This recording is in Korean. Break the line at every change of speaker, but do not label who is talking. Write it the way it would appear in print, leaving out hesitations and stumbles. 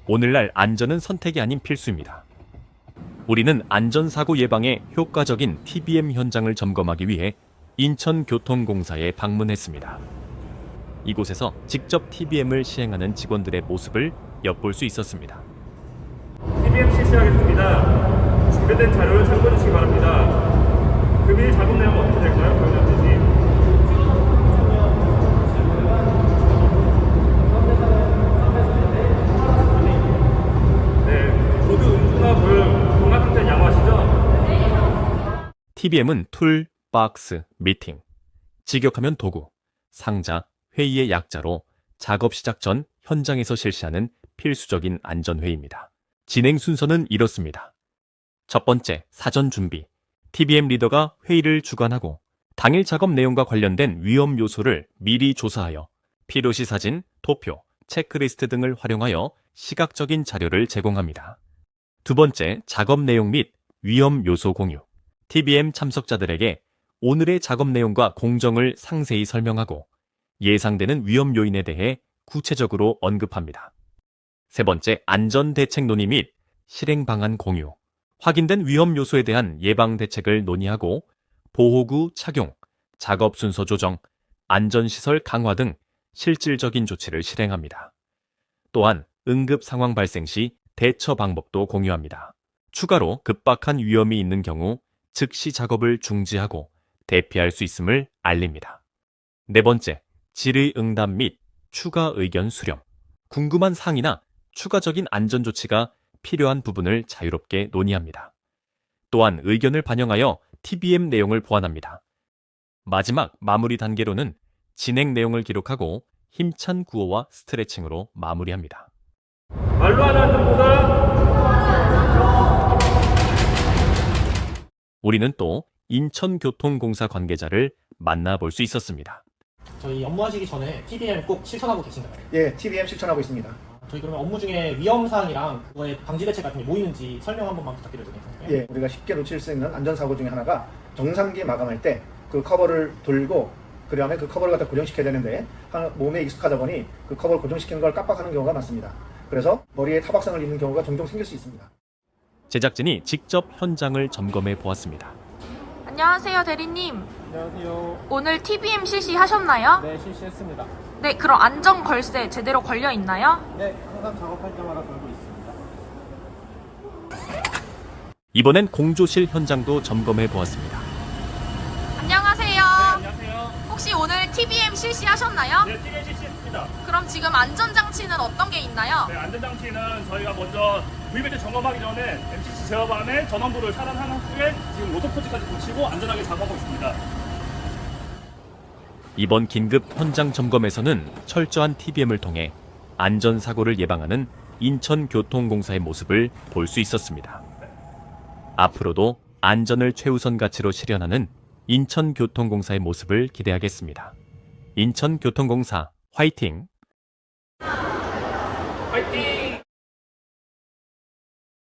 오늘날 안전은 선택이 아닌 필수입니다. 우리는 안전사고 예방에 효과적인 TBM 현장을 점검하기 위해 인천교통공사에 방문했습니다. 이곳에서 직접 TBM을 시행하는 직원들의 모습을 엿볼 수 있었습니다.
TBM 실시하겠습니다. 준비된 자료를 참고해 주시기 바랍니다. 금일 작업 내용 어떻게 될까요? 보여주시지. 네, 모두 음수나 불, 공간 상태 양호하시죠?
TBM은 툴, 박스, 미팅, 직역하면 도구, 상자, 회의의 약자로 작업 시작 전 현장에서 실시하는 필수적인 안전회의입니다. 진행 순서는 이렇습니다. 첫 번째, 사전 준비. TBM 리더가 회의를 주관하고 당일 작업 내용과 관련된 위험 요소를 미리 조사하여 필요시 사진, 도표, 체크리스트 등을 활용하여 시각적인 자료를 제공합니다. 두 번째, 작업 내용 및 위험 요소 공유. TBM 참석자들에게 오늘의 작업 내용과 공정을 상세히 설명하고 예상되는 위험 요인에 대해 구체적으로 언급합니다. 세 번째, 안전 대책 논의 및 실행 방안 공유. 확인된 위험 요소에 대한 예방 대책을 논의하고 보호구 착용, 작업 순서 조정, 안전시설 강화 등 실질적인 조치를 실행합니다. 또한 응급 상황 발생 시 대처 방법도 공유합니다. 추가로 급박한 위험이 있는 경우 즉시 작업을 중지하고 대피할 수 있음을 알립니다. 네 번째, 질의응답 및 추가 의견 수렴. 궁금한 사항이나 추가적인 안전조치가 필요한 부분을 자유롭게 논의합니다. 또한 의견을 반영하여 TBM 내용을 보완합니다. 마지막 마무리 단계로는 진행 내용을 기록하고 힘찬 구호와 스트레칭으로 마무리합니다.
말로 하는 안전보다
우리는 또 인천교통공사 관계자를 만나볼 수 있었습니다.
저희 업무하시기 전에 TBM 꼭 실천하고 계신가요?
예, TBM 실천하고 있습니다.
저희 그러면 업무 중에 위험사항이랑 그거의 방지 대책 같은 게 뭐 있는지 설명 한 번만 부탁드려도 괜찮을까요?
예, 우리가 쉽게 놓칠 수 있는 안전사고 중에 하나가 정상기 마감할 때 그 커버를 돌고 그 다음에 그 커버를 갖다 고정시켜야 되는데 몸에 익숙하다 보니 그 커버를 고정시키는 걸 깜빡하는 경우가 많습니다. 그래서 머리에 타박상을 입는 경우가 종종 생길 수 있습니다.
제작진이 직접 현장을 점검해 보았습니다.
안녕하세요, 대리님.
안녕하세요.
오늘 TBM 실시하셨나요?
네, 실시했습니다.
네, 그럼 안전 걸쇠 제대로 걸려 있나요?
네, 항상 작업할 때마다 걸고 있습니다.
이번엔 공조실 현장도 점검해 보았습니다.
안녕하세요.
안녕하세요.
혹시 오늘 TBM 실시하셨나요?
네, TBM 실시했습니다.
그럼 지금 안전장치는 어떤 게 있나요?
네, 안전장치는 저희가 먼저 VBT 점검하기 전에 MCC 제어반에 전원부를 차단한 후에 지금 로터포지까지 붙이고 안전하게 작업하고 있습니다.
이번 긴급 현장 점검에서는 철저한 TBM을 통해 안전사고를 예방하는 인천교통공사의 모습을 볼 수 있었습니다. 앞으로도 안전을 최우선 가치로 실현하는 인천교통공사의 모습을 기대하겠습니다. 인천교통공사 화이팅!
화이팅!